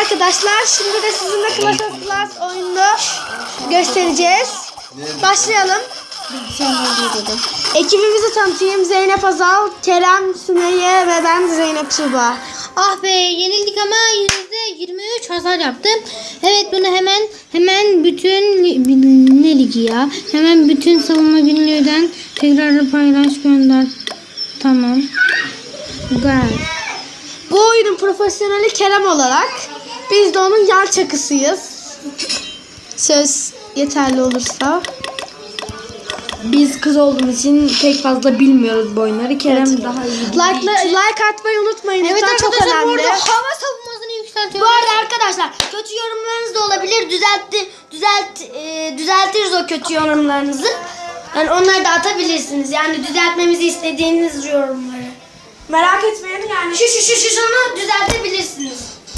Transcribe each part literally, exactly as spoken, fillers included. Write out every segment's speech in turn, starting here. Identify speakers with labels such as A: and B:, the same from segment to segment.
A: arkadaşlar, şimdi de sizinle Clash of Clans oyununu göstereceğiz. Başlayalım. Ekibimizi tanıtayım. Zeynep Azal, Kerem Sümeyye ve ben Zeynep Tuğba.
B: Ah be, yenildik ama yüzde yirmi üç hasar yaptım. Evet, bunu hemen hemen bütün ne ligi ya? Hemen bütün savunma günlüğünden tekrar paylaş gönder. Tamam. Güzel.
A: Bu oyunun profesyoneli Kerem olarak biz de onun yan çakısıyız. Söz yeterli olursa.
C: Biz kız olduğumuz için pek fazla bilmiyoruz bu oyunları. Kerem
A: Evet.
C: daha iyi.
A: Like, like atmayı unutmayın.
B: Evet
A: Lütfen, çok
B: arkadaşlar,
A: önemli.
B: burada hava savunmasını yükseltiyoruz.
D: Bu arada arkadaşlar kötü yorumlarınız da olabilir. Düzeltti, düzelt, e, düzeltiriz o kötü yorumlarınızı. Yani onları da atabilirsiniz. Yani düzeltmemizi istediğiniz yorumları.
A: Merak etmeyin yani.
D: Şu şu şu şu şunu düzeltebilirsiniz.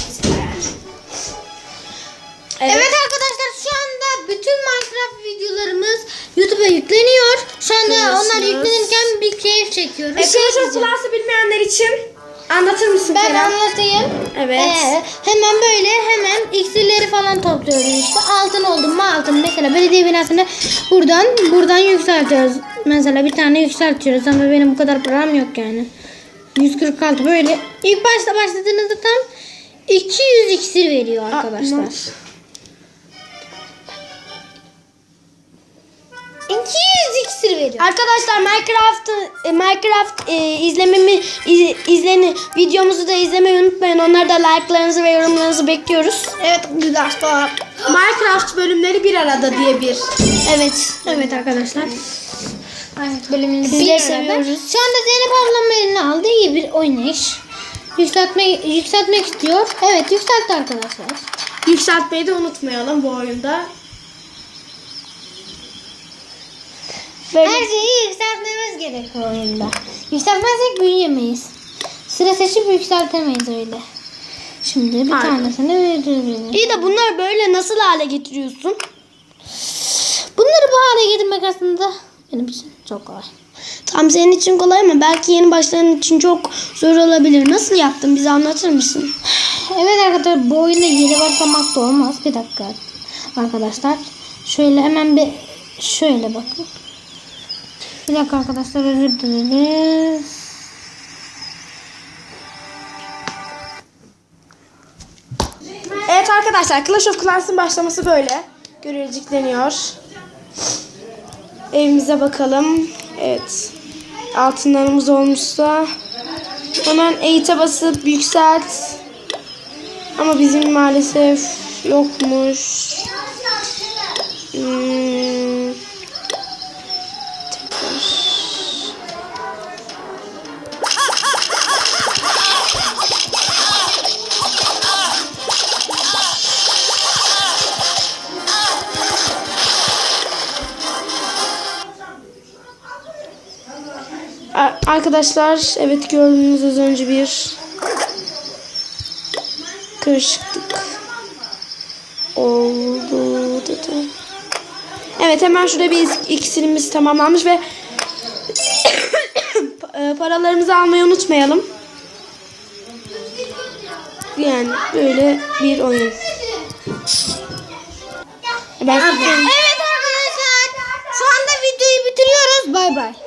B: Evet. Evet arkadaşlar, şu anda bütün Minecraft videolarımız YouTube'a yükleniyor. Şu anda
A: Görüyorsunuz.
B: onlar yüklenirken bir keyif çekiyoruz.
A: E, Clash of Clans'ı bilmeyenler için anlatır mısın
B: Ben
A: Kerem?
B: anlatayım.
A: Evet.
B: Ee, hemen böyle hemen iksirleri falan topluyoruz işte. Altın oldu mu altın. Mesela belediye binasını buradan buradan yükseltiyoruz. Mesela bir tane yükseltiyoruz ama benim bu kadar param yok yani. yüz kırk altı böyle. İlk başta başladığınızda tam iki yüz iksir veriyor arkadaşlar.
A: Aa,
B: iki yüz iksir veriyor.
D: Arkadaşlar Minecraft e, Minecraft e, izlememi iz, izleni videomuzu da izlemeyi unutmayın. Onlarda da like'larınızı ve yorumlarınızı bekliyoruz.
A: Evet arkadaşlar. Minecraft bölümleri bir arada diye bir.
D: Evet.
B: Evet arkadaşlar. Evet, bölümünü
D: Sizleri
B: bir
D: seviyoruz.
B: arada. Şu anda Zeynep ablam eline aldı. İyi bir oynayış. Yükseltme, yükseltmek istiyor. Evet, yükseltti arkadaşlar.
A: Yükseltmeyi de unutmayalım bu oyunda.
B: Her şeyi yükseltmemiz gerek bu oyunda. Yükseltmezsek büyüyemeyiz. Sıra seçip yükseltemeyiz öyle. Şimdi bir
A: Aynen.
B: tanesini veririz.
D: İyi de bunları böyle nasıl hale getiriyorsun?
B: Bunları bu hale getirmek aslında benim için çok kolay.
D: Tam senin için kolay ama belki yeni başlayan için çok zor olabilir. Nasıl yaptın? Bize anlatır mısın?
B: Evet arkadaşlar, bu oyunda yeni başlamak da olmaz. Bir dakika arkadaşlar. Şöyle hemen bir şöyle bakın. Bir dakika arkadaşlar, özür dileriz.
A: Evet arkadaşlar, Clash of Clans'ın başlaması böyle. Görülecek Evimize bakalım. Evet. Altınlarımız olmuşsa hemen eğite basıp yükselt. Ama bizim maalesef yokmuş. Hmm. Arkadaşlar, evet gördüğünüz az önce bir karışıklık oldu dedi. Evet, hemen şurada bir iksirimiz tamamlanmış ve paralarımızı almayı unutmayalım. Yani böyle bir oyun. Ben
B: Evet arkadaşlar, şu anda videoyu bitiriyoruz. Bay bay.